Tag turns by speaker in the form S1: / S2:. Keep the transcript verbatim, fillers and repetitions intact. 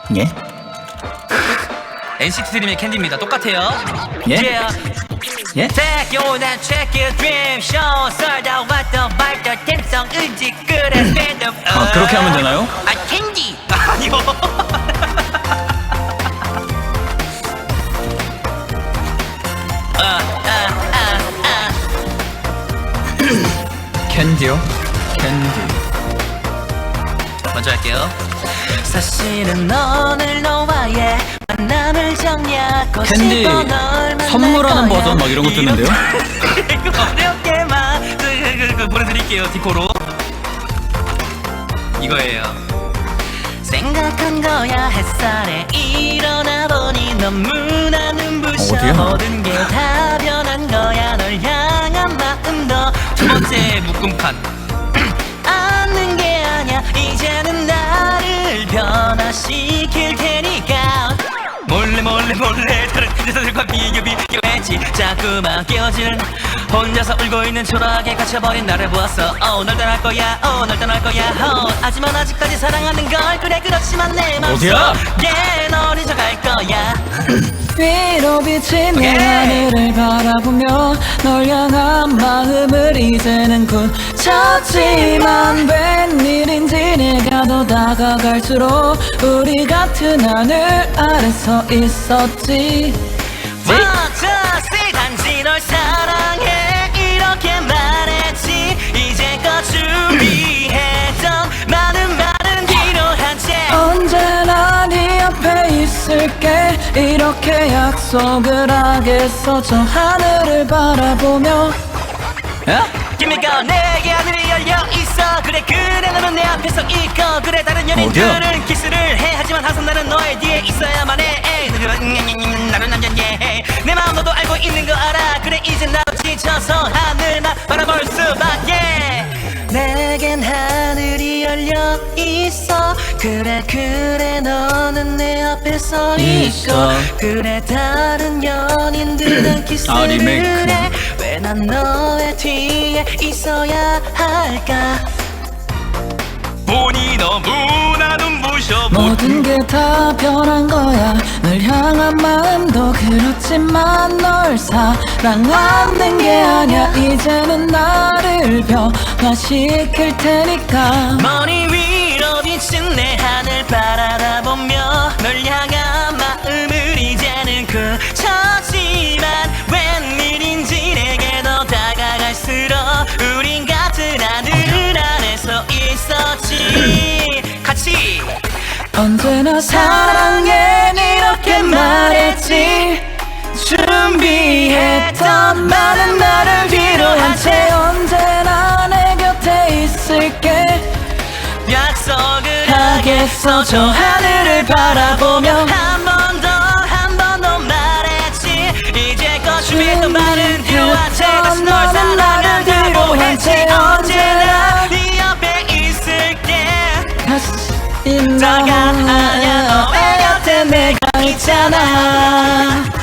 S1: 예?
S2: 엔시티 드림의 캔디입니다. 똑같아요.
S1: 예?
S2: Yeah.
S1: 예?
S2: Take you and check your dream show. 썰다 왔던 말던 댐성 은지 그래 stand up.
S1: 아, 그렇게 하면 되나요?
S2: 아, 캔디. 아니요. 아, 아, 아, 아.
S1: 캔디요? 캔디.
S2: 먼저 할게요. 사실은 오늘 너와의 만남을 정리하고
S1: 캔디
S2: 싶어 널 만날
S1: 선물하는
S2: 거야.
S1: 버전 막 이런 거 뜨는데요?
S2: 이거 어렵게만 그, 그, 그, 그 보내드릴게요. 디코로 이거예요. 생각한 거야 햇살에 일어나 보니 너무나 눈부셔.
S1: 어디야?
S2: 모든 게 다 변한 거야. 널 향한 마음도 두 번째 묶음판 않는 게 아니야. 이제는 나를 변화시킬 테니까 몰래 몰래 몰래 다른 여자들과 비교 비교했지. 자꾸만 깨어지는 혼자서 울고 있는 초라하게 갇혀버린 나를 보았어. Oh, 널 떠날 거야. Oh, 널 떠날 거야. Oh, 하지만 아직까지 사랑하는 걸. 그래 그렇지만 내
S1: 어디야?
S2: 맘속에 널 잊어갈 거야.
S3: 위로 비친 내 하늘을 바라보며 널 향한 마음을 이제는 굳혔지만 웬일인지 내가 더 다가갈수록 우리 같은 하늘 아래 서 있었지.
S2: One, two, three. 단지 널 사랑해 이렇게 말했지. 이제껏 준비했던 많은 말은 뒤로 한 채
S3: 언제나 네 옆에 있을게 이렇게 약속을 하겠어. 저 하늘을 바라보며.
S1: 예?
S2: Give me go. 내게 하늘이 열려 있어. 그래 그래 너는 내 앞에 서 있고 그래 다른 연인들은 키스를 해. 하지만 항상 나는 너의 뒤에 있어야만 해. 에이, 나를 남겼네. 내 마음 너도 알고 있는 거 알아. 그래 이제 나도 지쳐서 하늘만 바라볼 수밖에. 내겐 하늘이 열려 있어. 그래 그래 너는 내 앞에 서 있고
S1: 있어.
S2: 그래 다른 연인들은
S1: 아,
S2: 키스를
S1: 리메이크.
S2: 해. 왜 난 너의 뒤에 있어야 할까. 보니 너무나 눈부셔.
S3: 모든 게 다 변한 거야. 널 향한 마음도 그렇지만 널 사랑하는 게 아니야. 이제는 나를 변화시킬 테니까.
S2: 머리 위로 비친 내 하늘 바라다 보며 널 향한 마음을 이제는 그쳤지만 웬일인지 내게 더 다가갈수록 우린 같은 하늘 안에서 있었지. 같이
S3: 언제나 사랑해 이렇게 말했지. 준비했던 많은 나를 뒤로한 채 언제나 내 곁에 있을게
S2: 약속을
S3: 하겠어. 저 하늘을 바라보며
S2: 한 번 더 한 번 더 말했지. 이제껏 준비했던 말은 뒤로한 채 다시 널 사랑한다고 했지. 언제나 네 옆에 있을게.
S3: 다시
S2: 다가가야 너의 곁에 내가 있잖아.